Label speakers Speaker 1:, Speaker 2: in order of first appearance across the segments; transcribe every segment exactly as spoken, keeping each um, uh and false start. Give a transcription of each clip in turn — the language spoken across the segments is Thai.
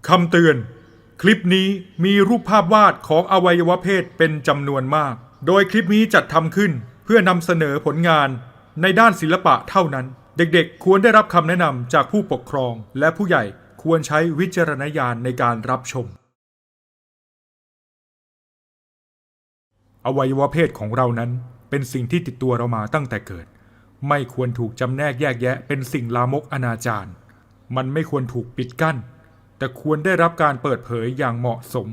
Speaker 1: คำเตือนคลิปนี้มีรูปภาพวาดของอวัยวะเพศเป็นจำนวนมากโดยคลิปนี้จัดทำขึ้นเพื่อนำเสนอผลงานในด้านศิลปะเท่านั้นเด็กๆควรได้รับคำแนะนำจากผู้ปกครองและผู้ใหญ่ควรใช้วิจารณญาณในการรับชมอวัยวะเพศของเรานั้นเป็นสิ่งที่ติดตัวเรามาตั้งแต่เกิดไม่ควรถูกจำแนกแยกแยะเป็นสิ่งลามกอนาจารมันไม่ควรถูกปิดกั้นแต่ควรได้รับการเปิดเผยอย่างเหมาะสม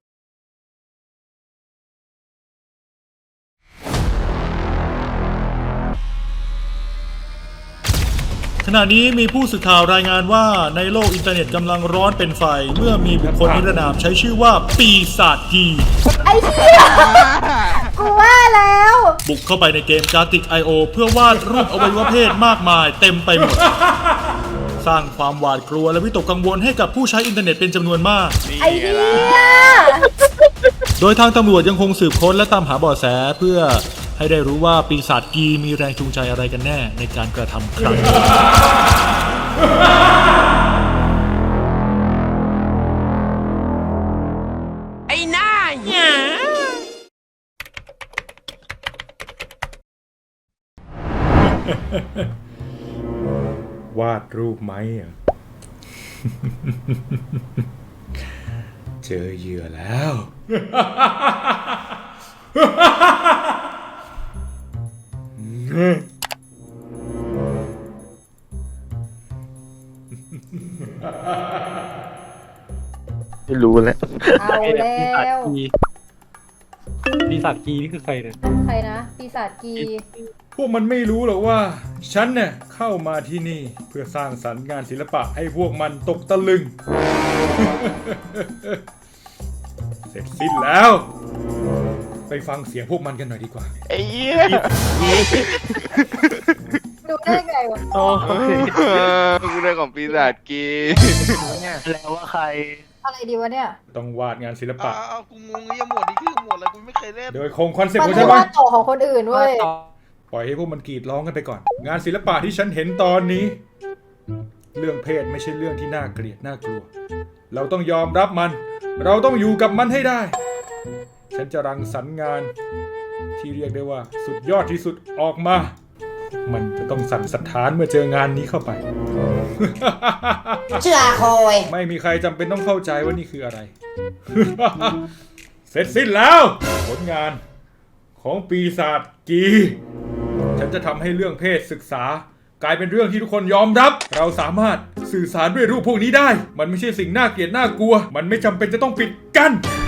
Speaker 1: ขณะนี้มีผู้สื่อข่าวรายงานว่าในโลกอินเทอร์เน็ตกำลังร้อนเป็นไฟเมื่อมีบุคคลนิรนามใช้ชื่อว่าปีศาจกี
Speaker 2: ไอ้เหี้ยกูว่าแล้ว
Speaker 1: บุกเข้าไปในเกม Gartic ไอ โอ เพื่อวาดรูปอวัยวะเพศมากมายเต็มไปหมดสร้างความหวาดกลัวและวิตกกังวลให้กับผู้ใช้อินเทอร์เน็ตเป็นจำนวนมาก
Speaker 2: ไอ้เหี้ย
Speaker 1: โดยทางตำรวจยังคงสืบค้นและตามหาเบาะแสเพื่อให้ได้รู้ว่าปีศาจกีมีแรงจูงใจอะไรกันแน่ในการกระทำครั้งนี้
Speaker 3: ไอ้หน้าเหี้
Speaker 1: ยวาดรูปไหมอ่ะ เจอเหยื่อแล้ว
Speaker 4: ไม่รู้แล้ว
Speaker 2: เอาแล้ว
Speaker 4: ปีศาจกีนี่คือใครเนี่ย
Speaker 2: ใครนะปีศาจกี
Speaker 1: พวกมันไม่รู้หรอกว่าฉันเนี่ยเข้ามาที่นี่เพื่อสร้างสรรค์งานศิลปะให้พวกมันตกตะลึง เสร็จสิ้นแล้วไปฟังเสียงพวกมันกันหน่อยดีกว่า
Speaker 4: ไอ้เหี้ย
Speaker 2: ดูได้ไงวะ
Speaker 4: โอ้ย
Speaker 3: กูเรื่องของปีศาจกี
Speaker 4: แล้วว่าใคร
Speaker 2: อะไรดีวะเนี่ย
Speaker 1: ต้องวาดงานศิลปะ
Speaker 3: อ้าวกูงงไอ้หมดนี่คือหมดแล้วกูไม่เคยเล่น
Speaker 1: โดยคงคอนเซ็ปต์ของฉั
Speaker 2: น
Speaker 1: ว่า
Speaker 2: ต่อของคนอื่นเว้ย
Speaker 1: ปล่อยให้พวกมันกรีดร้องกันไปก่อนงานศิลปะที่ฉันเห็นตอนนี้เรื่องเพศไม่ใช่เรื่องที่น่าเกลียดน่ากลัวเราต้องยอมรับมันเราต้องอยู่กับมันให้ได้ฉันจะรังสรรค์งานที่เรียกได้ว่าสุดยอดที่สุดออกมามันจะต้องสั่นสะท้านเมื่อเจองานนี้เข้าไป
Speaker 2: เชื่อคอย
Speaker 1: ไม่มีใครจำเป็นต้องเข้าใจว่านี่คืออะไร เสร็จสิ้นแล้วผลงานของปีศาจกีฉันจะทำให้เรื่องเพศศึกษากลายเป็นเรื่องที่ทุกคนยอมรับเราสามารถสื่อสารด้วยรูปพวกนี้ได้มันไม่ใช่สิ่งน่าเกลียดน่ากลัวมันไม่จำเป็นจะต้องปิดกั้น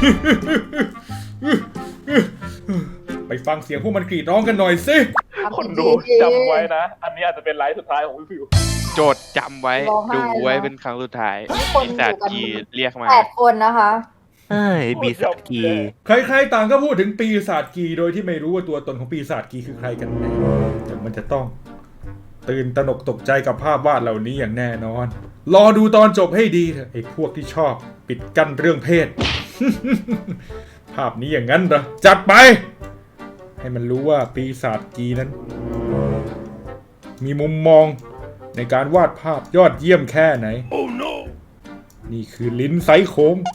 Speaker 1: ไปฟังเสียงพวกมันกรีดร้องกันหน่อยสิ
Speaker 4: คนดูจำไว้นะอันนี้อาจจะเป็นไลฟ์สุดท้ายของพี่ฟิว
Speaker 3: โจทย์จำไว้ดูไว้เป็นครั้งสุดท้ายปีศาจกีเรียกมา
Speaker 2: แปดคนนะคะ
Speaker 4: เฮ้ยปีศาจกี
Speaker 1: ใครๆต่างก็พูดถึงปีศาจกีโดยที่ไม่รู้ว่าตัวตนของปีศาจกีคือใครกันแน่แต่มันจะต้องตื่นตระหนกตกใจกับภาพวาดเหล่านี้อย่างแน่นอนรอดูตอนจบให้ดีเถอะไอ้พวกที่ชอบปิดกั้นเรื่องเพศ ภาพนี้อย่างนั้นเหรอจัดไปให้มันรู้ว่าปีศาจกีนั้นมีมุมมองในการวาดภาพยอดเยี่ยมแค่ไหน oh, no. นี่คือลิ้นไซโค้ง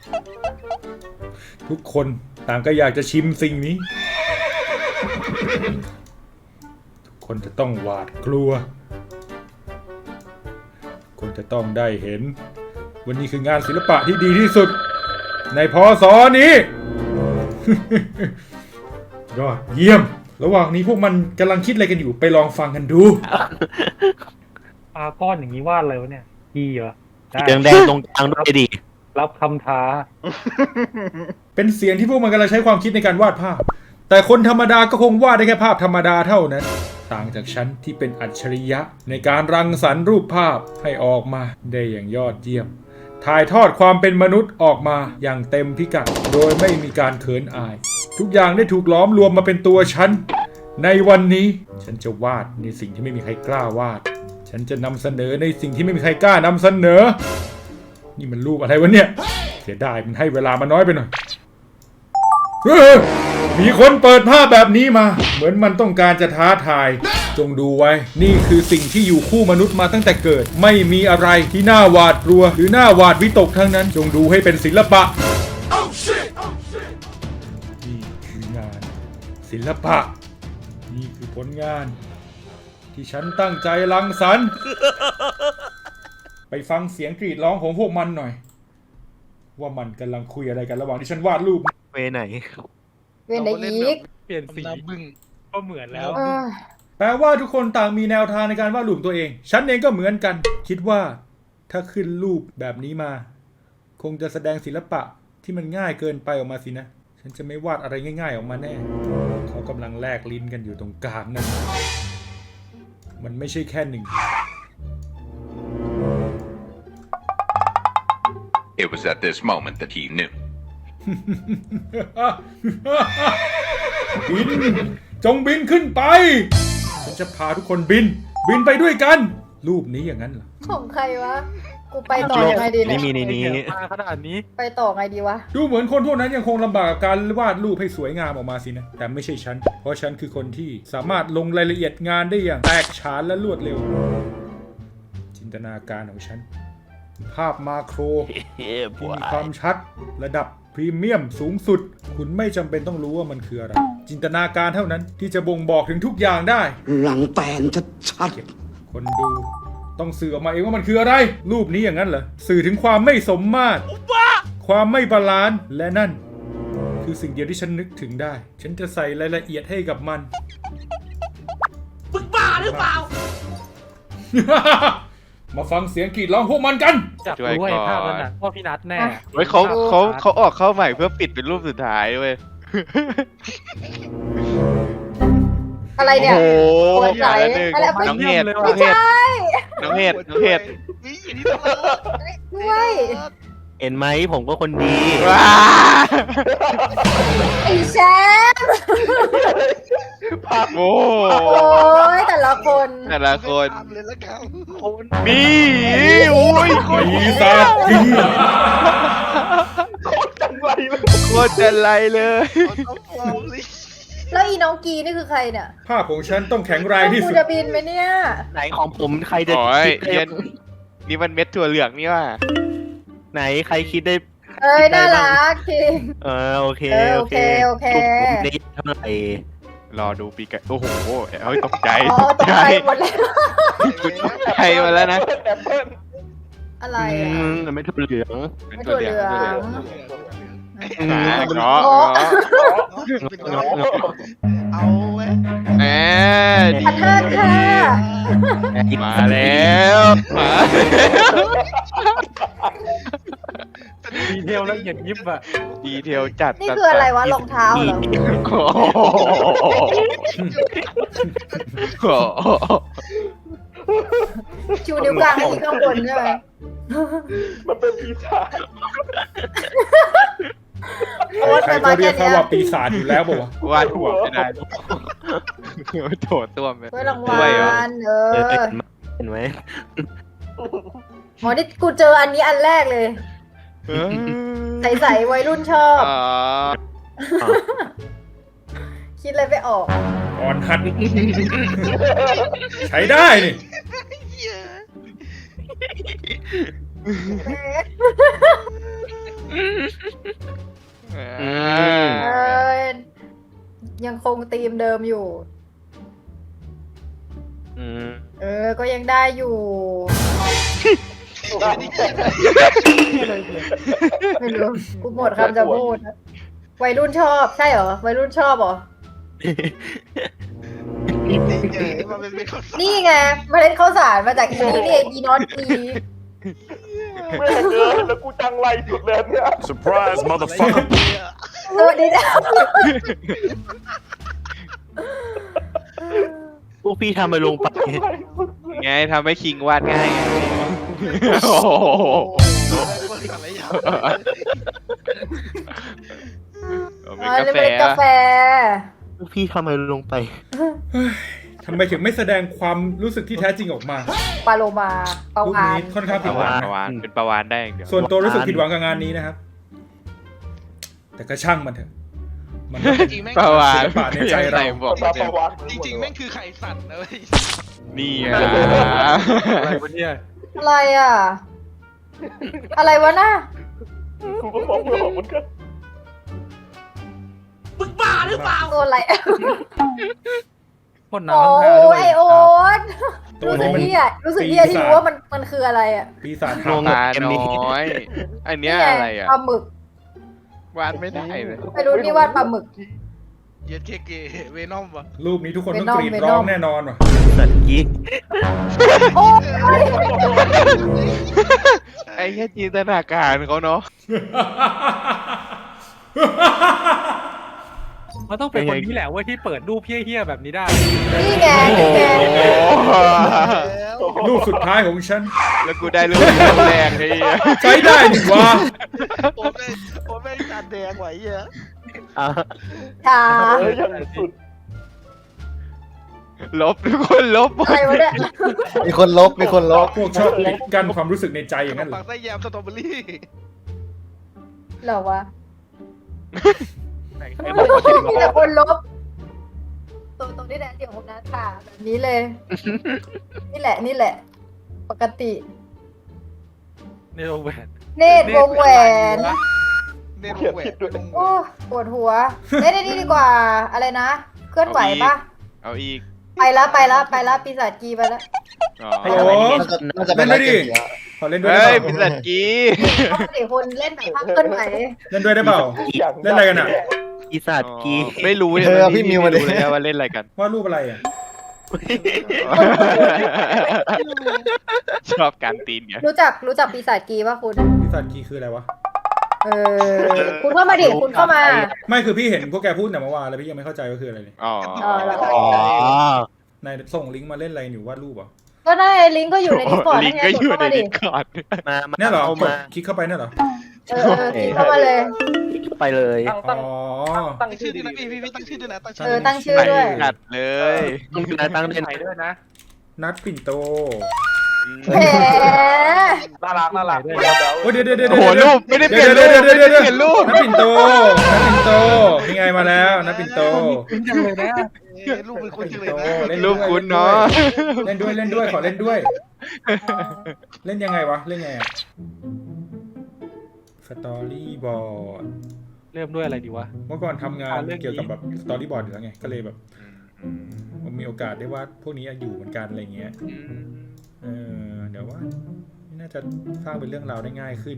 Speaker 1: ทุกคนต่างก็อยากจะชิมสิ่งนี้ทุกคนจะต้องหวาดกลัวคนจะต้องได้เห็นวันนี้คืองานศิลปะที่ดีที่สุดในพ.ศ.นี้ ยอดเยี่ยมระหว่างนี้พวกมันกำลังคิดอะไรกันอยู่ไปลองฟังกันดู
Speaker 4: ปลาก้อนอย่างนี้วาดอะไรวะเนี่ยกีเหรอ
Speaker 5: แดงแดงตรงกลางด้วยดิ
Speaker 4: รับคำท้า
Speaker 1: เป็นเสียงที่พวกมันกำลังใช้ความคิดในการวาดภาพแต่คนธรรมดาก็คงวาดได้แค่ภาพธรรมดาเท่านั้นต่างจากฉันที่เป็นอัจฉริยะในการรังสรรค์รูปภาพให้ออกมาได้อย่างยอดเยี่ยมถ่ายทอดความเป็นมนุษย์ออกมาอย่างเต็มพิกัดโดยไม่มีการเขินอายทุกอย่างได้ถูกล้อมรวมมาเป็นตัวฉันในวันนี้ฉันจะวาดในสิ่งที่ไม่มีใครกล้าวาดฉันจะนำเสนอในสิ่งที่ไม่มีใครกล้านำเสนอนี่มันรูปอะไรวะเนี่ยเสียดายมันให้เวลามาน้อยไปหน่อยมีคนเปิดภาพแบบนี้มาเหมือนมันต้องการจะท้าทายจงดูไว้นี่คือสิ่งที่อยู่คู่มนุษย์มาตั้งแต่เกิดไม่มีอะไรที่น่าหวาดกลัวหรือน่าหวาดวิตกทั้งนั้นจงดูให้เป็นศิลปะนี่คืองานศิลปะนี่คือผลงานที่ฉันตั้งใจรังสรรค์ไปฟังเสียงกรีดร้องของพวกมันหน่อยว่ามันกำลังคุยอะไรกันระหว่างที่ฉันวาดรูป
Speaker 5: เวไหน
Speaker 2: เวนไดอีก
Speaker 4: เปลี่ยนสีก็เหมือนแล้ว
Speaker 2: เออ
Speaker 1: แปลว่าทุกคนต่างมีแนวทางในการวาดรูปตัวเอง ฉันเองก็เหมือนกัน คิดว่าถ้าขึ้นรูปแบบนี้มา คงจะแสดงศิลปะที่มันง่ายเกินไปออกมาสินะ ฉันจะไม่วาดอะไรง่ายๆออกมาแน่ เขากำลังแลกลิ้นกันอยู่ตรงกลางนั่น มันไม่ใช่แค่หนึ่ง
Speaker 6: It was at this moment that he knew.
Speaker 1: บินจงบินขึ้นไป ฉันจะพาทุกคนบิน บินไปด้วยกัน รูปนี้อย่างนั้นเหรอ
Speaker 2: ของใครวะ กูไปต่อยังไงดี
Speaker 5: นี่
Speaker 2: เนี่ย
Speaker 5: มีในนี้
Speaker 4: มาขนาดนี้
Speaker 2: ไปต่อไงดีวะ
Speaker 1: ดูเหมือนคนพวกนั้นยังคงลำบากกับการวาดรูปให้สวยงามออกมาสินะ แต่ไม่ใช่ฉัน เพราะฉันคือคนที่สามารถลงรายละเอียดงานได้อย่างแตกฉานและรวดเร็ว จินตนาการของฉัน ภาพมาโคร
Speaker 5: เฮ้ย
Speaker 1: ที่
Speaker 5: บัว
Speaker 1: มีความชัดระดับพรีเมียมสูงสุด คุณไม่จำเป็นต้องรู้ว่ามันคืออะไร จินตนาการเท่านั้นที่จะบ่งบอกถึงทุกอย่างได้
Speaker 7: หลังแตนชัด
Speaker 1: คนดูต้องสื่อออกมาเองว่ามันคืออะไร รูปนี้อย่างนั้นเหรอ สื่อถึงความไม่สมมาตรความไม่บาลานซ์และนั่น คือสิ่งเดียวที่ฉันนึกถึงได้ ฉันจะใส่รายละเอียดให้กับมันมึงบ้าหรือเปล่า มาฟังเสียงกรีดร้องพวกมันกัน
Speaker 4: จับด้วยภาพนั้นน่ะพ่อพี่นัทแน่
Speaker 3: เฮ้ยเขาเขาเขาออกเข้าใหม่เพื่อปิดเป็นรูปสุดท้ายเว้ย
Speaker 2: อะไรเนี่ย
Speaker 3: โอ้โห
Speaker 2: โอ้ย
Speaker 3: อย่างละหนึ่ง
Speaker 2: อะไร
Speaker 3: น้องเห็ด
Speaker 4: ไม่
Speaker 3: น้อง
Speaker 4: ใช่
Speaker 3: เห็ดน้องเห็ดน้องเห็ด
Speaker 2: ด้วย
Speaker 5: เห็นไหมผมก็คนดี
Speaker 3: ว้า
Speaker 2: ไอ้แชมป์
Speaker 3: โอ้
Speaker 2: โอ้ยแต่ละคน
Speaker 3: แต่ละคนมีโอ้ยโคตร
Speaker 1: ปีศาจผี
Speaker 3: โคตรจันไรเลย
Speaker 2: แล้วอีน้องกีนี่คือใครเนี่ย
Speaker 1: ภาพของฉันต้องแข็งแรงที่
Speaker 2: กู
Speaker 1: สุด
Speaker 2: จะบินไหมเนี่ย
Speaker 5: ไหนของผมใครจะ
Speaker 3: โอ้ย
Speaker 5: คิด
Speaker 3: เย็
Speaker 5: ได้
Speaker 3: นนี่มันเม็ดถั่วเหลืองนี่ว่า
Speaker 5: ไหนใครคิดได้
Speaker 2: เอ้ย
Speaker 5: คิดได้
Speaker 2: น่า
Speaker 5: บ้ง
Speaker 2: รักจริง
Speaker 5: เออโอเค
Speaker 2: เออโอเคโอเค
Speaker 5: ผมได้เท่าไหร่
Speaker 3: รอดูปีกันโอ้โหเฮ้ยตกใจ
Speaker 2: อ๋อ
Speaker 3: ต
Speaker 2: ต
Speaker 3: ก
Speaker 2: ก
Speaker 3: ใจ
Speaker 2: ใจหมดแล้ว
Speaker 3: คุณตกใจมาแล้วนะ
Speaker 2: อะไร
Speaker 5: อื
Speaker 2: อ่ะ
Speaker 5: มไม่ถูกเหลือง
Speaker 3: เป็นถั่วเหลือง
Speaker 2: ถั่วเหลือง
Speaker 3: อ่าเงาะเงาะ
Speaker 6: เอาเว้ย
Speaker 3: แหมดี
Speaker 2: พันห้าค่ะ
Speaker 3: มาแล้วมา
Speaker 4: ดีเทลละเอียดยิบอะ
Speaker 3: ดีเทลจัด
Speaker 2: นี่คืออะไรวะรองเท้าเหรอ
Speaker 3: โอ้โห
Speaker 2: ชูนิ้วกลางให้ที่ข้างบนใช่ไหม
Speaker 1: ใครๆก็เรียกเขาว่าปีศาจอยู่แล้วบอกว่าว
Speaker 3: าดหัวไม่ได้โถตัวมัน
Speaker 2: ด้วยราง
Speaker 3: ด้
Speaker 2: วั
Speaker 3: วยเหรอ
Speaker 2: ลเอ
Speaker 5: เออ
Speaker 2: อ
Speaker 5: เห็นไหม
Speaker 2: อ๋อนี่กูเจออันนี้อันแรกเลย ใสๆวัยรุ่นชอบ
Speaker 3: อ๋อ
Speaker 2: คิดอะไรไม่ออก
Speaker 1: อ่อนหัด ใช้ได้นี่
Speaker 3: อืม
Speaker 2: เออยังคงธีมเดิมอยู่
Speaker 5: อืม
Speaker 2: เออ ก็ยังได้อยู่ ไม่รู้ กูหมดคำจะพูดอะวัยรุ่นชอบ ใช่เหรอ วัยรุ่นชอบเหรอ นี่ไงเมล็ดข้าวสารมาจากอีนี่นี่เองอีนอตอี
Speaker 7: Surprise, motherfucker.
Speaker 2: เออเดี๋ยว
Speaker 5: พวกพี่ทำไปลงไป
Speaker 3: ไงทำให้คิงวาดง่ายไงโอ้โห
Speaker 2: เอ
Speaker 3: เป็น
Speaker 2: อ
Speaker 3: กา
Speaker 2: นี่
Speaker 3: แฟ
Speaker 2: เป็นกาแฟ
Speaker 5: พวกพี่ทำไปลงไป
Speaker 1: ทำไมถึงไม่แสดงความรู้สึกที่แท้จริงออกมา
Speaker 2: ปลาโลมาปลา
Speaker 1: รูป
Speaker 2: วาน
Speaker 1: นี้ค่อนข้าง
Speaker 3: ป
Speaker 1: ผิด
Speaker 3: ระ
Speaker 1: หวั
Speaker 3: วาง น
Speaker 1: นะ
Speaker 3: ประวานเป็นประวานได้อย่างเดียว
Speaker 1: ส่วนตัวรู้สึกผิดหวังกับงานนี้นะครับ แต่ก็ช่างมันเถอะมันก็เป็น
Speaker 8: จริงแม่ง
Speaker 3: ประวาน
Speaker 1: ศิลปะในใจเรา
Speaker 3: บอก
Speaker 9: ตา
Speaker 3: เต็
Speaker 9: ป
Speaker 3: ม
Speaker 9: ระวัติ
Speaker 8: จริงๆแม่งคือไข่สัตว์นะเว้ย
Speaker 3: นี่ไง
Speaker 4: อะไรวะเนี่ย
Speaker 2: อะไรอ่ะ อะไรวะน่ะ
Speaker 9: กูก็บอกไม่ออกเหมือนกัน
Speaker 2: ตัวอะไร
Speaker 4: พ่น
Speaker 2: โอ้
Speaker 4: น้ำข้างหน้าด้วย
Speaker 2: ไอโอ๊ต
Speaker 1: ตัว
Speaker 2: รู้สึ
Speaker 1: นี้
Speaker 2: ก
Speaker 1: มัน
Speaker 2: เหี้ยรู้สึกเหี้ยที่รู้ว่ามันมันคืออะไรอ่ะ
Speaker 1: ปีศาจ
Speaker 5: ง
Speaker 1: หาง
Speaker 5: ง
Speaker 3: ตาน้อย อันเนี้ยอะไรอ่ะ
Speaker 2: ปลาหมึก
Speaker 3: วาดไม่ได้เลย
Speaker 2: ไม่รู้นี่วาดปลาหมึก
Speaker 8: เย็ดเคเกเวนอมวะ
Speaker 1: รูปนี้ทุกคนต้อง
Speaker 2: Venom
Speaker 1: กรีดร้อง
Speaker 2: Venom
Speaker 1: แน่นอนว่ะ
Speaker 5: สัตว์กี้
Speaker 2: โอ้ย
Speaker 3: ไอ้แค่จินตนาการเขาเนาะ
Speaker 4: มันต้องเป็นคนนี้แหละเว้ยที่เปิดรูปเฮี้ยๆแบบนี้ได้
Speaker 2: นี่ไงนี่ไง
Speaker 8: แล้ว
Speaker 1: รูปสุดท้ายของฉัน
Speaker 3: แล้วกูได้รูปแรกไอ้เหี้ย
Speaker 1: ใช้ได้นี่วะ
Speaker 8: โอ้แม่งโอ้แม่งจานแดงไหวเหี้ย
Speaker 5: อ่ะ
Speaker 2: ชา
Speaker 9: เฮ้ยยังสุด
Speaker 3: ลบทุกคนลบหมด
Speaker 2: อะไรวะเนี่ย
Speaker 5: มีคนลบมีคนลบ
Speaker 1: พวกชอบปิดกั้นความรู้สึกในใจอย่างนั้นเหร
Speaker 8: ปั
Speaker 1: อก
Speaker 8: ไส้แยมสตรอเบอรี่
Speaker 2: เหรอวะ
Speaker 4: ไอ้บอกว่า
Speaker 2: มีแต่คนลบตัวตรงนี้แหละเดี๋ยวผมนะค่ะแบบนี้เลย นี่แหละนี่แหละ ปกติ
Speaker 4: ในโรงแรม
Speaker 2: เนตรวงแหวน
Speaker 8: เน้น
Speaker 9: เขียน
Speaker 8: แหว
Speaker 9: ผิดด้วย
Speaker 2: โอ้ปวดหัวเอ้ยนี่ดีกว่า อะไรนะ เคลื่อนไหวปะ
Speaker 3: เอาอีก
Speaker 2: ไปละไปละไปละปีศาจกีไปละ
Speaker 3: อ๋อ
Speaker 1: ฮัลโหล
Speaker 5: น่าจะเป็
Speaker 1: เล่
Speaker 5: น
Speaker 1: นด้วยดิขอเล่นด้วย
Speaker 3: เฮ้
Speaker 1: ได้
Speaker 3: ย
Speaker 1: เป
Speaker 3: พิ
Speaker 1: ล่า
Speaker 3: สัตกี
Speaker 2: ต้องสี่คนเล่นแบบภาพเคลื่อนไหว
Speaker 1: เล่นด้วยได้เปล่า เล่นอะไรกันอะ
Speaker 5: อีสัตว์กี้
Speaker 3: ไม่รู้เลย
Speaker 5: เออพี่มิวมาดิ
Speaker 3: ไรู้เลยว่าเล่นอะไรกัน
Speaker 1: วาดรูปอะไรอ่ะ
Speaker 3: ชอบการตีนไง
Speaker 2: รู้จักรู้จักปีศาจกีป่ะคุณ
Speaker 1: ปีศาจกีคืออะไรวะ
Speaker 2: เออ คุณเข้ามาดิคุณเข้ามา
Speaker 1: ไม่คือพี่เห็นพวกแกพูดแต่เมื่อวานแล้วพี่ยังไม่เข้าใจว่าคืออะไรเลย
Speaker 3: อ๋อ
Speaker 2: อ๋อแล้วก็
Speaker 5: อ๋อ
Speaker 1: นายส่งลิงก์มาเล่นอะไรหนูวาดรูปเหรอ
Speaker 2: ก็ได้ลิงก์ก็อยู่ในดิสคอร์ด
Speaker 3: ลิ
Speaker 2: นั่
Speaker 3: ง
Speaker 2: น
Speaker 3: ก์
Speaker 2: ไง
Speaker 3: ก็
Speaker 2: ก
Speaker 3: อ
Speaker 2: ด
Speaker 3: ยู่
Speaker 2: เข้า
Speaker 3: ใน
Speaker 2: มาดิ
Speaker 3: ดิสคอร์ด
Speaker 5: มามา
Speaker 1: เนี่ยเหรอ
Speaker 5: เอา
Speaker 1: กด
Speaker 5: มา
Speaker 1: คลิกเข้าไปเนี่ยเหรอ
Speaker 2: เออเออคลิกเข้ามาเลย
Speaker 5: ไปเลย
Speaker 1: อ๋อ
Speaker 9: ตั้ง
Speaker 8: ตั้ง
Speaker 9: ชื่
Speaker 8: ชื่
Speaker 9: อ
Speaker 8: อ
Speaker 9: ดี
Speaker 8: ด้วยนะพี่พี่พี่ตั้งชื่อด้วยนะตั้งชื่
Speaker 2: เออตั้งชื่อด้วย
Speaker 3: กัดเลย
Speaker 5: ต้องดูแลตั้งเด่น
Speaker 4: ไหนด้วยนะ
Speaker 1: นัดปิ่นโต
Speaker 2: แหม
Speaker 9: น่ารักน่ารัก
Speaker 1: โอ้ยเดี๋ยวเดี๋ยวเดี๋ยว
Speaker 3: โอ้โห
Speaker 1: เดี๋ยว
Speaker 3: รูปไม่ได้เปลี่ยนรูป
Speaker 1: เดี๋ยว
Speaker 3: ไม่
Speaker 1: เดี๋ยว
Speaker 3: ได้
Speaker 1: เดี๋ยว
Speaker 3: เปลี่ยนรูป
Speaker 1: นัดปิ่นโตนัดปิ่นโตนี่ไงมาแล้วนัดปิ่นโต
Speaker 4: คุ้นจังเลยนะ
Speaker 8: เอ้ยลูกเป็นคนจังเลยนะ
Speaker 1: เล่น
Speaker 3: รู
Speaker 1: ด้วย
Speaker 3: ปคุณเนาะ
Speaker 1: เล่นด้วยเล่นด้วยขอเล่นด้วย เล่นยังไงวะเล่นไงอะสตอรี่บอร์ด
Speaker 4: เริ่มด้วยอะไรดีวะ
Speaker 1: เมื่อก่อนทำงาน
Speaker 4: อ่าเรื่องนี้
Speaker 1: เกี่ยวกับแบบสตอรี่บอร์ดอยู่แล้วไงก็เลยแบบผมมีโอกาสได้วาดพวกนี้อยู่เหมือนกันอะไรเงี้ยเออเดี๋ยวว่าน่าจะสร้างเป็นเรื่องราวได้ง่ายขึ้น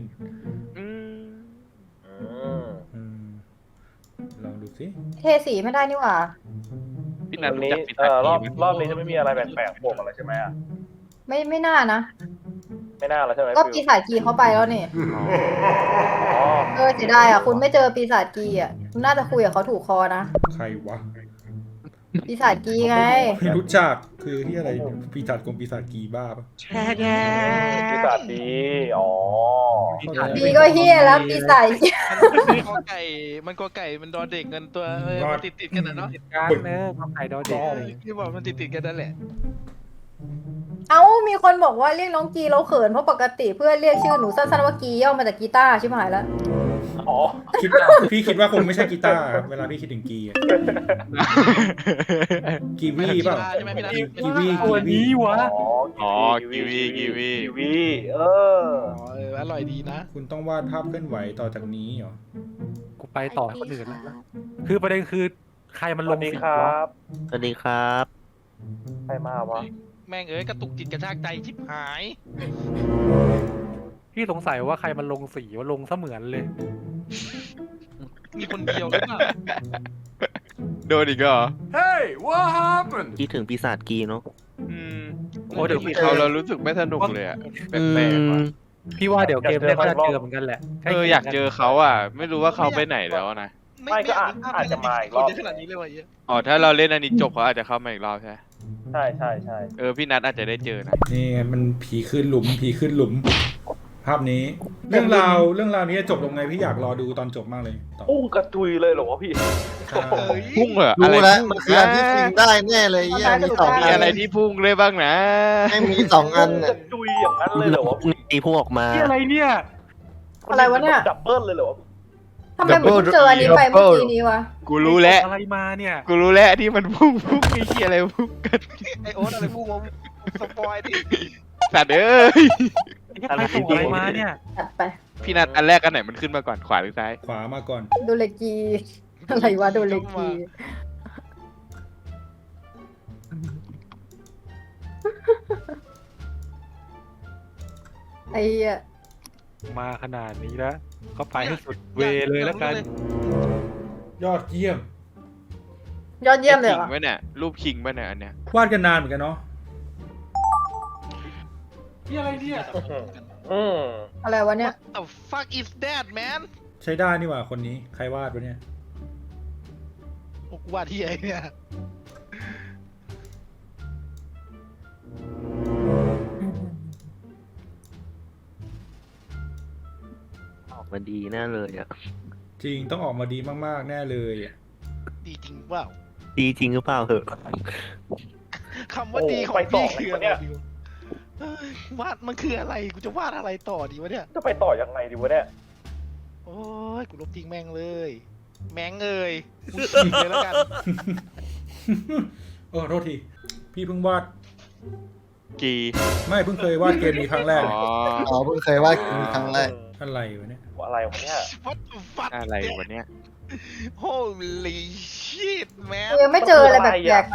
Speaker 1: อืมลองดูสิ
Speaker 2: เทสีไม่ได้นี่หว่า
Speaker 3: พี่นั
Speaker 9: วัน น
Speaker 3: รู้
Speaker 9: นี้
Speaker 3: จักพิ
Speaker 9: เอ่
Speaker 3: สัต
Speaker 9: อรอบ
Speaker 3: กีไหม
Speaker 9: รอบนี้จะไม่มีอะไรแปลกๆโผล่มาแล้วใช่ไหมอ่ะ
Speaker 2: ไม่ไม่น่านะ
Speaker 9: ไม่น่าแล้วใช่ไหม
Speaker 2: ก็
Speaker 9: ฟิ
Speaker 2: ปี
Speaker 9: ว
Speaker 2: ศาจกีเขาไปแล้วนี่
Speaker 9: อ๋อ
Speaker 2: เออเสียดายอ่ะคุณไม่เจอปีศาจกีอ่ะคุณน่าจะคุยกับเขาถูกคอนะ
Speaker 1: ใครวะ
Speaker 2: ปีศาจกีไง
Speaker 1: ไม่รู้จักคือที่อะไรปีศาจกรมปีศาจกีบ้าปะ
Speaker 9: ปีศาจดีอ๋อ
Speaker 2: ดีก็เฮียแล้วปีศาจกี
Speaker 8: มันกอไก่มันกอไก่มันดอเด็กกันตัวเออมันติดติดๆกันนะเนาะ
Speaker 4: การเนอะทำไข่ดอเด็กเลย
Speaker 8: ที่บอกมันติดติดๆกันนั่นแหละ
Speaker 2: เอ้ามีคนบอกว่าเรียกน้องกีเราเขินเพราะปกติเพื่อนเรียกชื่อหนูสั้นๆว่ากีย่อมาจากกีตาร์ชิบหายแล้ว
Speaker 9: อ๋อ
Speaker 1: คิดพี่คิดว่าคงไม่ใช่กีตาร์ครับเวลาพี่คิดถึงกีอะกีวีเปล่า
Speaker 8: ใช่ไหมพี่นัท
Speaker 1: กีวี
Speaker 4: ตัวนี้วะ
Speaker 9: อ๋อ
Speaker 3: อ๋อกีวีกีวี
Speaker 9: กีวีเออ
Speaker 8: อ๋อเอออร่อยดีนะ
Speaker 1: คุณต้องวาดภาพเคลื่อนไหวต่อจากนี้เหรอ
Speaker 4: กูไปต่อให้คนอื่นแล้วนะคือประเด็นคือใครมัน
Speaker 9: ส
Speaker 4: ล
Speaker 9: วั
Speaker 4: ง
Speaker 9: สดี
Speaker 4: สี
Speaker 9: ครั
Speaker 4: วะ
Speaker 9: บ
Speaker 5: สวัสดีครับ
Speaker 9: ใครมาวะ
Speaker 8: แม่งเอ้ยกระตุกจิตกระชากใจชิบหาย
Speaker 4: พี่สงสัยว่าใครมันลงสีว่าลงเสมือนเลย
Speaker 8: มีคนเดียวหรือเปล่า
Speaker 3: โดนอีกเหรอ
Speaker 7: Hey, what happened?
Speaker 5: คิดถึงปีศาจกีเนาะ
Speaker 3: อืมโอ้เดี๋ยวเขาเรารู้สึกไม่สนุกเลยอะแปลกๆว่ะ
Speaker 4: พี่ว่าเดี๋ยวเกมแรกก็จะเจอเหมือนกันแหละ
Speaker 3: เอออยากเจอเขาอ่ะ ไม่รู้ว่าเขาไปไหนแล้วนะ
Speaker 9: ไม่ก็อาจอาจจะมาอีกรอบ
Speaker 8: คนเยอะขนาดนี้เลยวะเหี้ย
Speaker 3: อ๋อถ้าเราเล่นอันนี้จบเขาอาจจะเข้ามาอีกรอบใช่ไหม
Speaker 9: ใช่ใช่ใช่
Speaker 3: เออพี่นัทอาจจะได้เจอนะ
Speaker 1: นี่ไงมันผีขึ้นหลุมผีขึ้นหลุม ภาพนี้ เรื่องราวเรื่องราวนี้จะจบลงไงพี่อยากรอดูตอนจบมากเลยต่อ
Speaker 9: ปุ้งกระจุยเลยเหรอวะพี่
Speaker 1: ใช่
Speaker 8: เอ้ย
Speaker 3: พุ่งเหรออะ
Speaker 5: รู้
Speaker 3: ไร
Speaker 5: แล้ว
Speaker 3: พุ่ง
Speaker 5: มันคืออันที่ฟิงได้แน่เลยเยี่ยมีสอง
Speaker 3: มี
Speaker 5: อัน
Speaker 3: อะไรที่พุ่งเลยบ้างนะ
Speaker 5: ไม่มีสองอัน
Speaker 9: ก
Speaker 5: เนี่ย
Speaker 9: ระจุยอย่างนั้นเลยเหรอวะ
Speaker 5: ตีพุ่งออกมา
Speaker 4: ที่อะไรเนี่ย
Speaker 2: อะไรวะเนี่ย
Speaker 9: ดับเบิลเลยเหรอวะ
Speaker 2: ทำไมเหมือนเพิ่งเจออันนี้ไปเมื่อกี้นี้วะ
Speaker 3: กูรู้แล้ว
Speaker 4: อะไรมาเนี่ย
Speaker 3: กูรู้แล้วที่มันพุ่งพุ่งไอ้เหี้ยอะไรพุ่งกัน
Speaker 8: ไอโอ๊ตอะไรพูดมาสปอยดิ
Speaker 3: สัตว์เอ้ย
Speaker 4: ไอ้ใครส่งอะไรมาเนี่ย
Speaker 2: ตัดไป
Speaker 3: พี่นัทอันแรกอันไหนมันขึ้นมาก่อนขวาหรือซ้าย
Speaker 1: ขวามาก่อน
Speaker 2: โดเลกี อะไรวะโดเลกี ไอ้เหี้ย
Speaker 4: มาขนาดนี้แล้วก็ไปให้สุดเวเลยแล้วกัน
Speaker 1: ยอดเยี่ยม
Speaker 2: ยอดเยี่ยมเลยเหร
Speaker 3: คิ
Speaker 2: อง
Speaker 3: ไว้เนี่ยรูปคิงไว้เนี่ยอันเนี้ยว
Speaker 1: าดกันนานเหมือนกันเนาะ
Speaker 7: นี่อะไรเนี่ย
Speaker 9: อืม
Speaker 2: อะไรวะเนี่ย
Speaker 8: The fuck is that man
Speaker 1: ใช้ได้นี่หว่าคนนี้ใครวาดวะเนี่ย
Speaker 8: โอ้กูว่าที่ไอเนี่ย
Speaker 5: ออกมาดีแน่เลยอ่ะ
Speaker 1: จริงต้องออกมาดีมากๆแน่เลยอะ
Speaker 8: ดีจริงเปล่า
Speaker 5: ดีจริงหรือเปล่าเหอะ
Speaker 8: คำว่าดีของพี่คืออะไรดีวะเอ้ยวาดมันคืออะไรกูจะวาดอะไรต่อดีวะเนี่ย
Speaker 9: จะไปต่อยังไงดีวะเนี่ย
Speaker 8: โอ้ยกูลบทิ้งแม่งเลย แม่งเอ้ยกูฉีกเลยแล้วกัน
Speaker 1: เออโทษที พี่เพิ่งวาด
Speaker 3: กี
Speaker 1: ไม่เพิ่งเคยวาดเกมนี้ครั้งแรก
Speaker 3: อ๋อ
Speaker 5: อ๋อเพิ่งเคยว่าครั้งแรก
Speaker 1: อะไรวะเนี่ย
Speaker 9: อะไรวะเนี่ย
Speaker 8: What the fuck
Speaker 3: อะไรวะเนี่ย
Speaker 8: Holy shit man
Speaker 2: กูยังไม่เจออะไรแบบแปลกๆนะ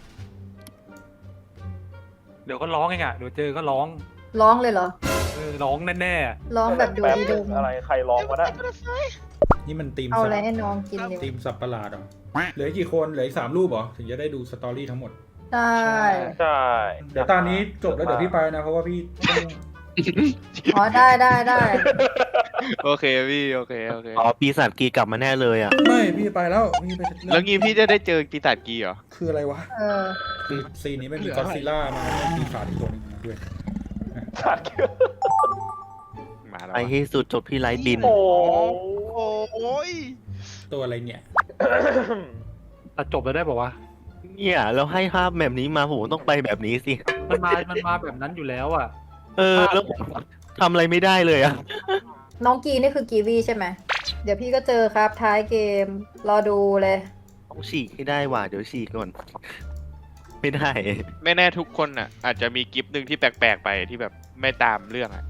Speaker 4: เดี๋ยวก็ร้องเองอ่ะเดี๋ยวเจอก็ร้อง
Speaker 2: ร้องเลยเหรอ
Speaker 4: เออร้องแน่
Speaker 2: ร้องแบบดู
Speaker 9: แป๊บ
Speaker 2: ดี
Speaker 9: นึ
Speaker 2: ดู
Speaker 9: งอะไรใครร้องวะเนี่ย
Speaker 1: นี่มันตีม
Speaker 2: เอา
Speaker 1: สั
Speaker 2: อะไร
Speaker 1: ตว์
Speaker 2: ให้น้องกินดี
Speaker 1: ตีมสับประหลาดเหรอเหลืออีกกี่คนเหลืออีกสามรูปเหรอถึงจะได้ดูสตอรี่ทั้งหมด
Speaker 2: ใช่
Speaker 9: ใช่
Speaker 1: เดี๋ยวตอนนี้จบแล้วเดี๋ยวพี่ไปนะเพราะว่าพี่ต้อง
Speaker 2: อ๋อได้ได้ได้
Speaker 3: โอเคพี่โอเคโอเค
Speaker 5: อ๋อปีศาจกีกลับมาแน่เลยอ่ะ
Speaker 1: ไม่พี่ไปแล้วพี่ไป
Speaker 3: แล้วงี้พี่จะได้เจอปีศาจกีเหรอ
Speaker 1: คืออะไรวะ
Speaker 2: เออ
Speaker 1: คือซีนนี้ไม่มีก็อดซิลล่ามามีขาดอีกตัวหนึงมาด้วย
Speaker 9: ขาดเกี่ยว
Speaker 3: มาแล้ว
Speaker 5: ไป
Speaker 3: วะ
Speaker 5: ให้สุดจบที่ไลท์บิน
Speaker 9: โอ้
Speaker 8: โอ้ย
Speaker 1: ตัวอะไรเนี่ย
Speaker 4: ๆตัดจบแล้วได้บอกว่า
Speaker 5: เนี่ยแล้วให้ภาพแบบนี้มาผมต้องไปแบบนี้สิ
Speaker 4: มันมา มันมาแบบนั้นอยู่แล้วอ่ะ
Speaker 5: เออ แล้วผมทำอะไรไม่ได้เลยอ่ะ
Speaker 2: น้องกีนี่คือกีวีใช่ไหม เดี๋ยวพี่ก็เจอครับท้ายเกม รอดูเลย
Speaker 5: ต้องฉีกให้ได้ว่ะเดี๋ยวฉีกก่อน ไม่ได้
Speaker 3: ไม่แน่ทุกคนอ่ะ อาจจะมีกิฟต์หนึ่งที่แปลกๆไปที่แบบไม่ตามเรื่องอ่ะ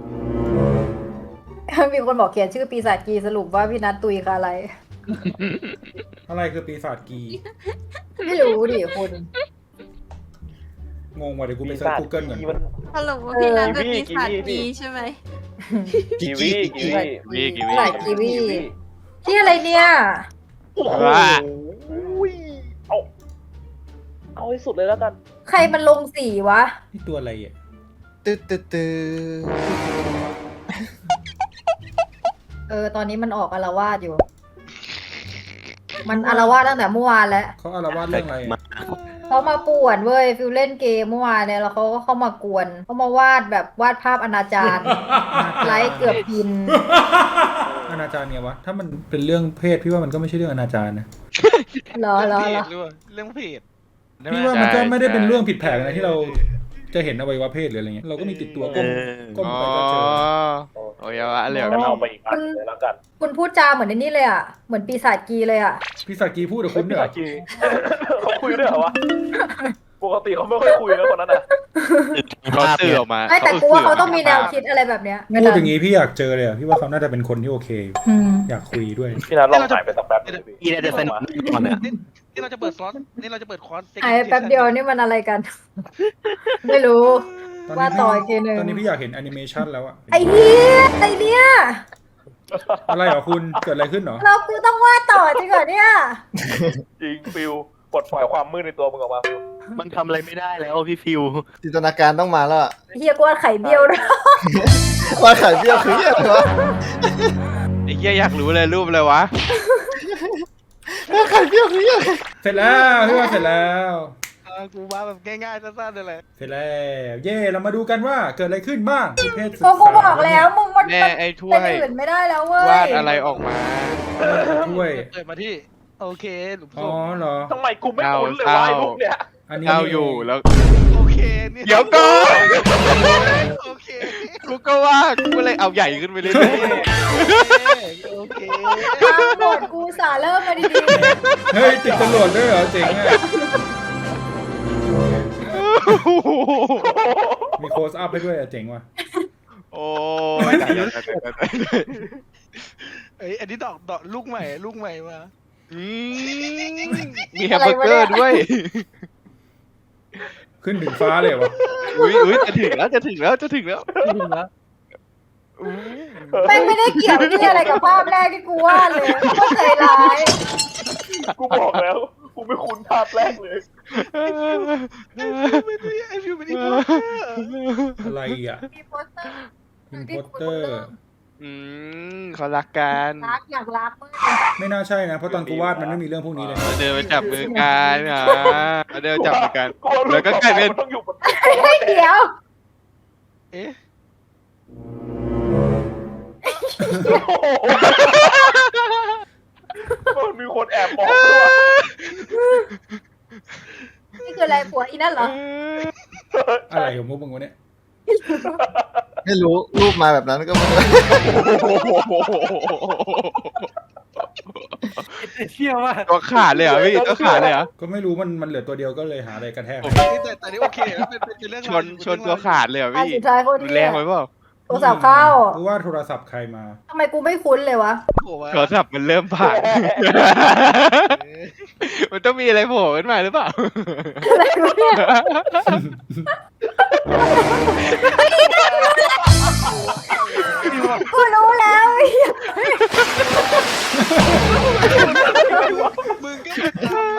Speaker 2: มีคนบอกเขียนชื่อปีศาจกีสรุปว่าพี่นัทตุยคืออะไร
Speaker 1: อะไรคือปีศาจกี
Speaker 2: ไม่รู้ดิคุณ
Speaker 1: งงว่ะเดี๋ยวกูไปเซิร์ช Google ก่อน
Speaker 9: มัน
Speaker 10: ฮัลโหลพี่นัทเป็น
Speaker 9: กีวี
Speaker 10: ปีศาจ
Speaker 9: กีวี
Speaker 10: กีใช่ไหม
Speaker 9: กีวีกีวี
Speaker 3: วีกีวี
Speaker 2: หลายกีวี ที่อะไรเนี่ย
Speaker 9: โอ้โห
Speaker 3: ว่า
Speaker 9: เอาเอาให้สุดเลยแล้วกัน
Speaker 2: ใครมันลงสีวะ
Speaker 1: นี่ตัวอะไรอ่ะ
Speaker 5: ตึ๊ดตึ๊ดตึ๊ด
Speaker 2: เออ ตอนนี้มันออกอาละวาดอยู่ มันอาละวาดตั้งแต่เมื่อวานแล้ว
Speaker 1: เขาอาละวาดเรื่องอะไร
Speaker 5: มา
Speaker 1: อะ
Speaker 2: เขามาป่วนเว้ยฟิลเล่นเกมเมื่อวานเนี่ยแล้วเขาก็เข้ามากวนเขามาวาดแบบวาดภาพอนาจาร ไลฟ์เกือบพิน
Speaker 1: อนาจารไงวะ ถ้ามันเป็นเรื่องเพศพี่ว่ามันก็ไม่ใช่เรื่องอนาจารนะ
Speaker 2: เหรอเหรอ
Speaker 8: เพ
Speaker 2: เหร
Speaker 8: จ
Speaker 2: อ
Speaker 8: หรือเปล่าเรื่องเพจ
Speaker 1: พี่ว่ามันก็ไม่ได้เป็นเรื่องผิดแผกนะที่เราจะเห็นอวัยวะเพศหรืออะไรเงี้ย เราก็มีติดตัว
Speaker 5: เอ
Speaker 1: ก้ม
Speaker 5: อ
Speaker 1: ก้ม
Speaker 3: อ๋อ
Speaker 1: ไปก็เจอ
Speaker 3: โอ้ยวะเหลว
Speaker 9: งั้นเอาไปอีกอันเลยแล้วกัน
Speaker 2: คุณพูดจาเหมือนในนี่เลยอ่ะ เหมือนปีศาจกีเลยอ่ะ
Speaker 1: พี่สักกีพูดกับ
Speaker 9: คุ
Speaker 1: คุณ ณ
Speaker 9: เนี่
Speaker 1: เนี่ย ย
Speaker 9: กีเขาคุยด้วยเหรอวะ ปกติเขาไม่ค่อยคุยนะคนนั้นอ่ะ
Speaker 3: เขาสื่อออกมา
Speaker 2: ไม่แต่กูว่าเขาต้องมีแนวคิดอะไรแบบเนี้ย
Speaker 1: พูดอย่างนี้พี่อยากเจอเลยอะพี่ว่าเขาน่าจะเป็นคนที่โอเคอยู่
Speaker 2: อืม
Speaker 1: อยากคุยด้วย
Speaker 9: พี่นัทลองหายไปสักแป๊บนึงดิ
Speaker 5: อีน่าจะสนุกก่อนอ่ะ
Speaker 8: นี่นี่เราจะเปิดคอร์สนี่เราจะเปิดคอร์ส
Speaker 2: หายไปแป๊บเดียวนี่มันอะไรกัน ไม่รู้
Speaker 1: ตอน
Speaker 2: ว่า
Speaker 1: นี้
Speaker 2: ต่อ
Speaker 1: พี่
Speaker 2: อีกทีหนึ่ง
Speaker 1: ตอนนี้พี่อยากเห็นแอนิเมชันแล้วอะ
Speaker 2: ไอ้เหี้ยไอ้เนี่ย
Speaker 1: อะไรเหรอคุณ เกิดอะไรขึ้นเหรอ
Speaker 2: เรากูต้องวาดต่อจริงเหรอเนี่ย
Speaker 9: จริงฟิลปลดปล่อยความมืดในตัวมึงออกมาฟิล
Speaker 5: มันทำอะไรไม่ได้แล้วพี่ฟิว
Speaker 11: จินตนาการต้องมาแล้วอะ
Speaker 2: เฮียกูวาดไข่เบี้ยวด้วย
Speaker 11: ว่าไข่เบี้ยวคืออะไรวะ
Speaker 3: ไอ้เหี้ยอยากรู้เลยรูปอะไรวะ
Speaker 11: ว่าไข่เบี้ยวคืออะไร
Speaker 1: เสร็จแล้วพี่ว่าเสร็จแล้ว
Speaker 8: เออกูว่าแบบง่ายๆสั้นๆเลยแหละ
Speaker 1: เสร็จแล้ว เย่เรามาดูกันว่าเกิดอะไรขึ้นบ้างเพศศึก
Speaker 2: ก็
Speaker 1: ษา
Speaker 2: กูบอกแล้วมึงมัน
Speaker 3: แม่ไอ้ถ้วย
Speaker 2: เป็นอื่นไม่ได้แล้วเว้
Speaker 3: วาย ดอะไรออกมา
Speaker 1: ด้วย
Speaker 8: เปิดมาที่ โอเคหลุมศ
Speaker 1: อ๋อ
Speaker 8: พ
Speaker 1: เหรอ
Speaker 9: ทำไมกูไม่คุ้นเลยวะไอ้พวกเนี้ย
Speaker 1: อันนี้
Speaker 3: เก้าอยู่แล้ว
Speaker 8: โอเคนี่
Speaker 3: เดี๋ยวก่อน
Speaker 8: โอเค
Speaker 3: กูก็ว่ากูเลยเอาใหญ่ขึ้นไปเรื่อยๆ
Speaker 8: โอเค
Speaker 2: ตามบทกูสาเริ่มมาดี
Speaker 1: เฮ้ยติดจรวดด้วยเหรอเจ๋งอ่ะมีโคสอัพให้ด้วยอ่ะเจ๋งว่ะ
Speaker 3: โอ้ยตายแล้วตายแล้วตายแล้ว
Speaker 8: เอ้ยอันนี้ดอกดอกลูกใหม่ลูกใหม่มา
Speaker 3: อืมมีแฮมเบอร์เกอร์ด้วย
Speaker 1: ขึ้นถึงฟ้าเลยวะ
Speaker 3: อุ้ยอุ้ยจะถึงแล้วจะถึงแล้วจะถึงแล้ว
Speaker 4: จริงแล้ว
Speaker 3: อู้
Speaker 2: ๆแม่งไม่ได้เกี่ยวที่อะไรกับภาพแรกที่กูวาดเลยก็ใจร้าย
Speaker 9: กูบอกแล้ว กูไม่คุ้นภาพแรกเลย
Speaker 8: ไอฟิวเป็นอีโมเตอร์
Speaker 1: อะไรอ่ะ
Speaker 2: มีโปสเตอร์
Speaker 1: เป็นโปสเตอร์
Speaker 3: อืมเขารักกัน
Speaker 2: รักอยากรักมาก
Speaker 1: ไม่น่าใช่นะเพราะตอนกูวาดมันไม่มีเรื่องพวกนี้เลย
Speaker 3: เดินไปจับมือกันอ่ะเดินจับมือกัน
Speaker 9: รู้
Speaker 3: แล้วก็กลายเป็น
Speaker 9: มันต้องอยู่บน
Speaker 2: เฮ้ยเดี๋ยว
Speaker 8: เอ๊ะ
Speaker 9: มันมีคนแอบมองด้วย
Speaker 2: นี่คืออะไรผัวอีนั่นเหรอ
Speaker 1: อะไรของพวกมึงวะเนี่ย
Speaker 11: ไม่รู้รูปมาแบบนั้นก็ไม่รู้
Speaker 4: เชี่ยวว่า
Speaker 3: ตัวขาดเลยเหรอพี่ตัวขาดเลยเหรอ
Speaker 1: ก็ไม่รู้มันมันเหลือตัวเดียวก็เลยหาอะไรกระแทก
Speaker 8: แต่แต่นี่โอเคนะเป็นเป็นเรื่อง
Speaker 3: ชนชนตัวขาดเลยเหรอ
Speaker 2: อัน
Speaker 3: พี่
Speaker 2: สุดท้ายคน
Speaker 3: รุน
Speaker 2: ที่
Speaker 3: แรงไปเปล่า
Speaker 2: โทรศัพท์เข้า
Speaker 1: กูว่าโทรศัพท์ใครมา
Speaker 2: ทำไมกูไม่คุ้นเลยวะ
Speaker 3: โทรศัพท์มันเริ่มผ่าน มันต้องมีอะไรโผล่ขึ้นมาหรือเปล่า
Speaker 2: อะไรวะเนี่ยกูรู้แล้ว
Speaker 8: มึงก็จำนะ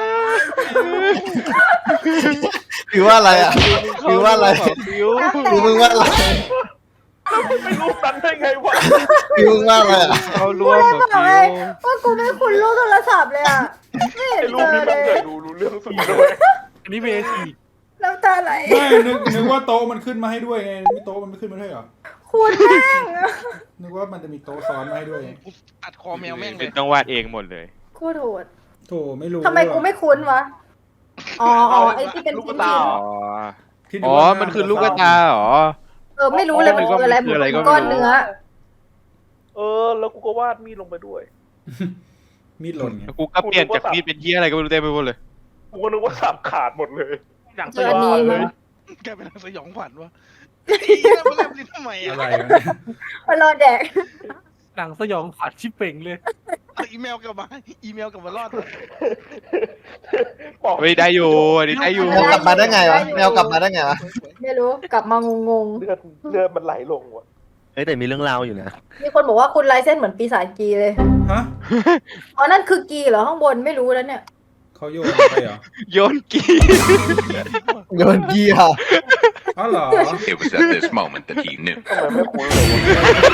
Speaker 11: ฟิวว่าอะไรอ่ะฟิวว่าอะไร
Speaker 3: ฟิว
Speaker 11: ฟิวมึงว่าอะไร
Speaker 9: ไม่รู้นั้นได้ไงวะ
Speaker 11: ฟิวมึงว่าอะไรอ่ะ
Speaker 3: เขาร่
Speaker 2: กู
Speaker 3: วม
Speaker 2: เลย
Speaker 3: กับ
Speaker 2: บอก
Speaker 3: ฟิ
Speaker 2: เล
Speaker 3: วย
Speaker 2: ว่ากูไม่คุ้นรูปโทรศัพท์เลยอ่ะไม่เห็น
Speaker 9: ไอ้รู
Speaker 2: เจ
Speaker 9: ป
Speaker 2: อ
Speaker 9: นี้
Speaker 2: เล
Speaker 9: มัน
Speaker 2: ย
Speaker 9: เกิดดูรู้เรื่องสุดเลย
Speaker 4: อันนี้เวที
Speaker 2: น้ำตาไหล
Speaker 1: ไม่นึกนึกว่าโต๊ะมันขึ้นมาให้ด้วยไงไม่โต๊ะมันไม่ขึ้นมาให้เหรอ
Speaker 2: คุณแม่ง
Speaker 1: นึกว่ามันจะมีโต๊ะซ้อนมาให้ด้วยไง
Speaker 8: กูตัดคอแมวแม่งเล
Speaker 3: เป็
Speaker 8: ย
Speaker 3: นต้องวาดเองหมดเลย
Speaker 2: โคตรโหด
Speaker 1: โถไม่รู้
Speaker 2: ทำไมกูไม่คุ้นวะอ๋ออ๋อไอ้ที่เป็นชิ้น
Speaker 3: อ๋อ
Speaker 1: ที่
Speaker 3: อ๋อ มันคือลูกกระตาเหรอ
Speaker 2: ๆเออไม่รู้เลยมันคืออะไรเหมื
Speaker 3: คืออะไรก็
Speaker 2: อน
Speaker 3: ไม่รู้
Speaker 2: ก้อนเนื้อ
Speaker 9: เออ แล้วกูก็วาดมีดลงไปด้วย
Speaker 1: มีดหล่นไง
Speaker 3: กูก็เปลี่ยนจากมีดเป็นเหี้ยอะไรก็ไม่รู้เต็มไปหมดเลย
Speaker 9: กูก็นึกว่าสับขาดหมดเลย
Speaker 8: อย่าง
Speaker 2: เจออันนี้มั้ง
Speaker 8: แกเป็นสยองขวัญวะไอ้เหี้ยมันเล่นลิ้นทำไม
Speaker 1: อะ
Speaker 8: อ่ะ
Speaker 1: ไรวะเนี่ย
Speaker 2: มารอแดก
Speaker 4: หนังสยองขวัญชิบเป่งเลย
Speaker 8: เอาอีเมลกลับมาอีเมลกลับมารอดเลย
Speaker 9: บอก
Speaker 3: เฮ้ยได้อยู่อันนี้ได้อยู่
Speaker 11: แมวกลับมาได้ไงวะแมวกลับมาได้ไงวะ
Speaker 2: ไม่รู้กลับมางง
Speaker 9: เลือดเลือดมันไหลลงว่ะ
Speaker 5: เอ้ยแต่มีเรื่องราวอยู่นะ
Speaker 2: ๆมีคนบอกว่าคุณลายเส้นเหมือนปีศาจกีเลย
Speaker 1: ฮะ
Speaker 2: อ๋อนั่นคือกีเหรอข้างบนไม่รู้แล้วเนี่ย
Speaker 1: เขาโยนไปเหรอ
Speaker 3: โยนกี
Speaker 11: โยนเกียร์
Speaker 1: อ๋อเหรอ
Speaker 6: It was at this moment that he knew.
Speaker 9: ทำไมไม่คุ้นเลยวะ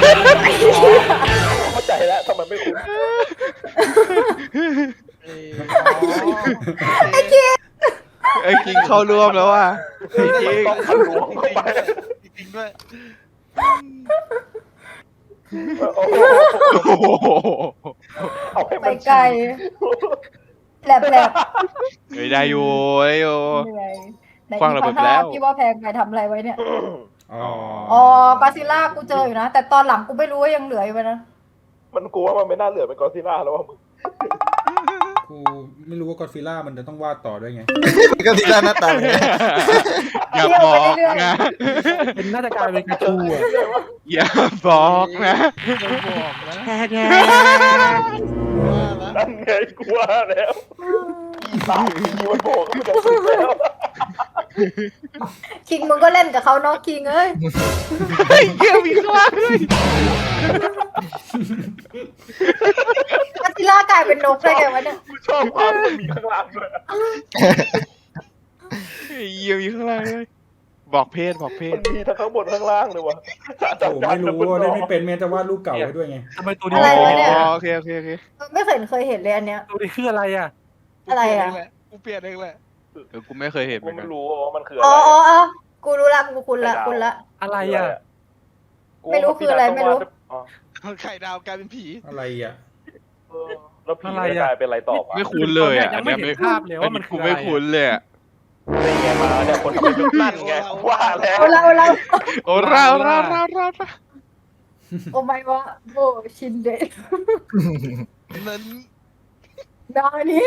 Speaker 9: เข้าใจแล้วทำไมไม่คุ้น
Speaker 8: เอ้ย
Speaker 3: ไอ้คิงเข้าร่วมแล้วว่ะไอ้คิง
Speaker 9: ต้องทะลวงเข้าไป
Speaker 8: จริงๆด้วย
Speaker 9: โอ้โห
Speaker 3: โอ้โห
Speaker 9: เอาให้
Speaker 2: ไป
Speaker 9: มัน
Speaker 2: ไกลแหลบแหลบ
Speaker 3: เฮ้ยได้อยู่ได้อยู่
Speaker 2: เหนื่อยใน
Speaker 3: คว้างระเบิดไปแล้ว
Speaker 2: พี่ว่าแพงไปทำอะไรไว้เนี่ย
Speaker 1: อ๋อ
Speaker 2: อ๋อกาซิล่ากูเจออยู่นะ แต่ตอนหลังกูไม่รู้ว่ายังเหลืออยู่ไหมนะ
Speaker 9: มันกลัวว่ามันไม่น่าเหลือเป็นกอซิลล่าแล้วว่ามึง
Speaker 1: กูไม่รู้ว่ากอดฟิล่ามันจะต้องวาดต่อด้วยไง
Speaker 11: ก็ที่ด้านหน้าตาอย่างเงี้ย
Speaker 3: อย่าบอกนะ
Speaker 4: เป็นน่าจะกลายเป็นกระชูอ่ะ
Speaker 3: อย่าบอกนะ
Speaker 8: ไม่บอกนะ
Speaker 9: นั่นไงกลัวแล้วอีสามทีมันโผล่ขึ้นมาจากสุดแล้ว
Speaker 2: คิงมึงก็เล่นกับเขาเนาะคิงเอ้ย
Speaker 3: ไอ้เหี้ยมีข้างล่างด้วย
Speaker 2: กาซิล่ากลายเป็นนกได้ไงวะเนี่ย
Speaker 9: กูชอบความมันมีข้างล่างด้วย
Speaker 3: ไอ้เหี้ยมีข้างล่างด้วยบอกเพศบอกเพศ
Speaker 9: มันมีทั้งข้างบนข้างล่างเลยวะ
Speaker 1: โอ้ไม่รู้ว่าได้ไม่เป็นแม้จะวาดรูปเก่าไว้ด้วยไง
Speaker 4: ทำไมตัวนี้
Speaker 2: อะไรวะเนี่ย
Speaker 3: อ๋อโอเคโอเคโอเค
Speaker 2: ไม่เคยเห็นเคยเห็นเลยอันเนี้ย
Speaker 4: ตัวนี้คืออะไรอ่ะ
Speaker 2: อะไรอะ
Speaker 8: กูเปลี่ยนเองแหละ
Speaker 3: เออกูไม่เคยเห็นเห
Speaker 9: กู
Speaker 3: มือนกั
Speaker 9: ไม่
Speaker 3: น
Speaker 9: รู้ว่ามันคืออะไร
Speaker 2: อ๋ออ๋ออ๋อกูรู้ละกูคุณละคุณละ
Speaker 4: อะไรอ่ะ
Speaker 2: ไม่รู้คืออะไรไม่รู้
Speaker 9: อ๋อ
Speaker 8: ไข่ดาวกลายเป็นผี
Speaker 1: อะไรอ่ะ
Speaker 9: เออแล้วผีจะกลายเป็นอะไรต่อวะ
Speaker 3: ไม่คุ้นเลยอ่ะ
Speaker 4: ยังไม่เห็นภาพเลยว่ามันคือ
Speaker 3: กู
Speaker 4: อะไร
Speaker 3: ไม่คุ้นเลยอะ
Speaker 9: เป็นไงมาเนี่ยคนทำเป็นนั่นไงว่าแล้ว
Speaker 2: เอาละเอาละ
Speaker 3: โอ้ราวราวราวราวราว
Speaker 2: โอ้ไม่วะโบชินเดะ
Speaker 8: นั้น
Speaker 2: นานี้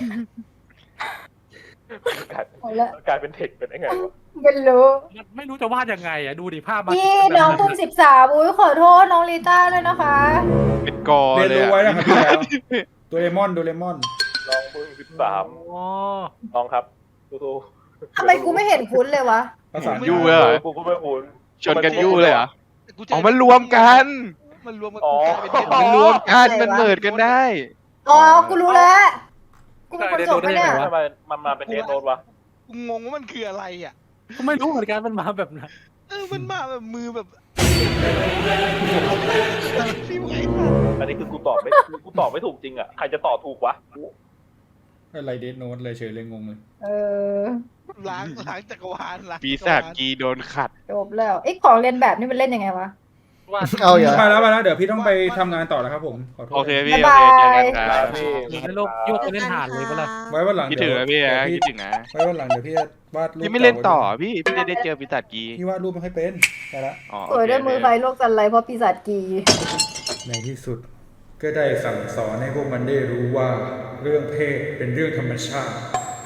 Speaker 9: กลาย
Speaker 2: เอาละ
Speaker 9: กลายเป็นเทคเป็นยังไงวะ
Speaker 2: ไม่รู้
Speaker 4: ไม่รู้จะวาดยังไงอ่ะดูดิภาพมัน
Speaker 2: พี่น้องเพิ่งสิบสามอุ้ยขอโทษน้องลิต้าด้วยนะคะ
Speaker 3: เป็นกอ
Speaker 1: เรียน
Speaker 3: เลย
Speaker 1: รู้
Speaker 3: อะ
Speaker 1: ไว้นะครับพี่แล้วโดเรมอนโดเรมอน
Speaker 9: น้องเพิ่งสิบสาม
Speaker 4: อ๋อ
Speaker 9: น้องครับสู้ๆ
Speaker 2: ทำไมกูไม่เห็นคุ้นเลยวะ
Speaker 1: ภาษา
Speaker 3: ยู่เลยเหรอ
Speaker 9: กูก็ไม่คุ้น
Speaker 3: ชนกันยู่เลยเหรอ
Speaker 8: กู
Speaker 3: อ๋อมันรวมกัน
Speaker 8: มันรวมกัน
Speaker 9: อ๋อ
Speaker 8: กลายเป็นเทป
Speaker 3: มันรวมกันมันเมิดกันได้
Speaker 2: อ๋อ กูรู้แล้ว กูเป็นคนจบปะเนี่ย
Speaker 9: ทำไมมันมาเป็นเดนโนดวะ
Speaker 8: กูงงว่ามันคืออะไรอ่ะ
Speaker 4: ก็ไม่รู้เหมือนกันมันมาแบบไหน
Speaker 8: เออมันมาแบบมือแบบฟิวไอ้สัส
Speaker 9: อันนี้คือกูตอบไม่กูตอบไม่ถูกจริงอ่ะ ใครจะตอบถูกวะ
Speaker 1: อะไรเดดโนตเลยเฉยเลยงงเลย
Speaker 2: เออ
Speaker 8: ล้างล้างจักรวาลล้าง
Speaker 3: ปีศาจกีโดนขัด
Speaker 2: จบแล้วไอ้ของเรียนแบบนี่มันเล่นยังไงวะ
Speaker 4: วาด
Speaker 11: เอาอย่า
Speaker 1: ไปแล้วไปแล้วเดี๋ยวพี่ต้องไปทำงานต่อแล้วครับผมขอโทษ
Speaker 3: โอเคพี่
Speaker 2: บ๊าย
Speaker 3: โอบ
Speaker 2: าย
Speaker 3: เคเจอกันครับ
Speaker 9: พี่
Speaker 4: เหมือนโลกยวกไปเล่นหาดเลยปะล่ะ
Speaker 1: ไว้วันหลัง
Speaker 3: คิดถึงนะพี่
Speaker 1: เดี๋ยว
Speaker 3: นะ
Speaker 1: พี่
Speaker 3: คิดถึงนะ
Speaker 1: ไว้วันหลังเดี๋ยวพี่จะวาดรูป
Speaker 3: พี่ไม่เล่นต่อ
Speaker 1: ไว้
Speaker 3: พี่พี่จะได้เจอปีศาจกี
Speaker 1: พี่วาดรูปไม่ค่อยเป็นไปละ
Speaker 3: อ๋อ
Speaker 2: สวยด้วยมือไฟโลกจันไรเพราะปีศาจกี
Speaker 1: ในที่สุด ก็ได้สั่งสอนให้พวกมันได้รู้ว่าเรื่องเพศเป็นเรื่องธรรมชาติ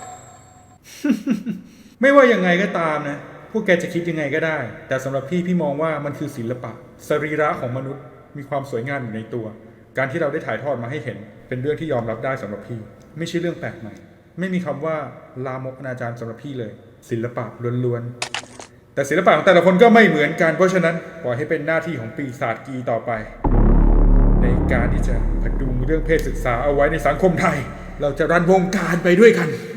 Speaker 1: ไม่ว่ายังไงก็ตามนะ พวกแกจะคิดยังไงก็ได้ แต่สำหรับพี่พี่มองว่ามันคือศิลปะสรีระของมนุษย์มีความสวยงามอยู่ในตัว การที่เราได้ถ่ายทอดมาให้เห็น เป็นเรื่องที่ยอมรับได้สำหรับพี่ ไม่ใช่เรื่องแปลกใหม่ ไม่มีคำว่าลามกอนาจารสำหรับพี่เลย ศิลปะล้วนๆแต่ศิลปะของแต่ละคนก็ไม่เหมือนกันเพราะฉะนั้นปล่อยให้เป็นหน้าที่ของปีศาจกีต่อไป ในการที่จะพดุงเรื่องเพศศึกษาเอาไว้ในสังคมไทย เราจะรันวงการไปด้วยกัน